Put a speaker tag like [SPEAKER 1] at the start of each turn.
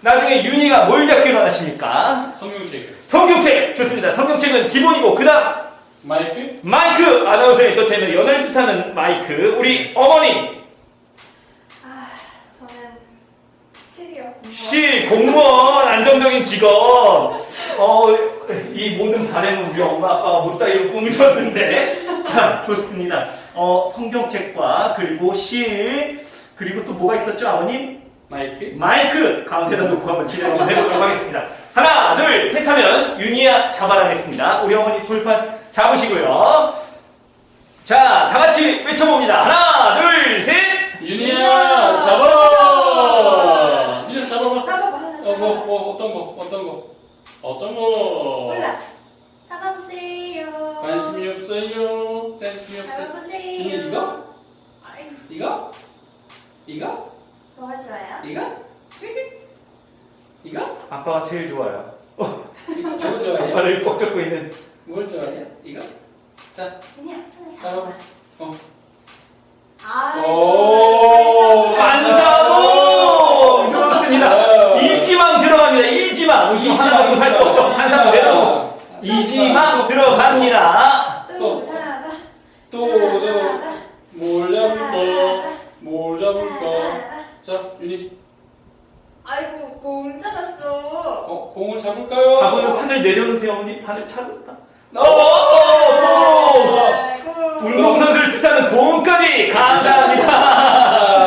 [SPEAKER 1] 나중에 윤희가 뭘 잡기로 하십니까?
[SPEAKER 2] 성경책.
[SPEAKER 1] 성경책! 좋습니다. 성경책은 기본이고, 그 다음,
[SPEAKER 2] 마이크.
[SPEAKER 1] 마이크! 아나운서의 뜻하면 연을 뜻하는 마이크. 우리 어머님,
[SPEAKER 3] 아, 저는 실이요.
[SPEAKER 1] 실, 공무원, 안정적인 직업. 이 모든 바램은 우리 엄마, 아빠가 못다이로 꾸미셨는데. 자, 좋습니다. 성경책과, 그리고 실, 그리고 또 뭐가 있었죠, 아버님?
[SPEAKER 2] 마이크.
[SPEAKER 1] 마이크! 가운데다 놓고 한번 진행 한번 해보도록 하겠습니다. 하나, 둘, 셋 하면 윤희야 잡아라겠습니다. 우리 어머니 불판 잡으시고요. 자, 다 같이 외쳐봅니다. 하나, 둘, 셋!
[SPEAKER 2] 윤희야, 잡아라! 윤희야, 잡아봐.
[SPEAKER 3] 잡아봐, 하나 잡아봐.
[SPEAKER 2] 어떤 거?
[SPEAKER 3] 몰라. 잡아보세요.
[SPEAKER 2] 관심이 없어요.
[SPEAKER 3] 잡아보세요.
[SPEAKER 2] 이거?
[SPEAKER 3] 아이고,
[SPEAKER 2] 이거?
[SPEAKER 3] 뭐가 좋아요?
[SPEAKER 2] 이거?
[SPEAKER 1] 아빠가 제일 좋아요.
[SPEAKER 2] 이거 저거 좋아해?
[SPEAKER 1] 아빠를 꼭 잡고 있는.
[SPEAKER 2] 뭘 좋아해? 이거? 자,
[SPEAKER 3] 그냥 하나
[SPEAKER 2] 잡아봐.
[SPEAKER 3] 잡아봐.
[SPEAKER 2] 오,
[SPEAKER 1] 한사봉! 좋습니다. 이지망 들어갑니다. 이지망. 이지망 하나 가지고 살 수 없죠. 한사봉 내다보. 이지망 들어갑니다.
[SPEAKER 3] 또 잡아.
[SPEAKER 2] 뭘 잡을까? 자, 윤희.
[SPEAKER 3] 아이고, 공 잡았어.
[SPEAKER 2] 공을 잡을까요?
[SPEAKER 1] 잡으면 판을 내려놓으세요, 어머니. 판을 차렸다. 오!
[SPEAKER 3] 아이고.
[SPEAKER 1] 운동선수를 뜻하는 공까지 감사합니다.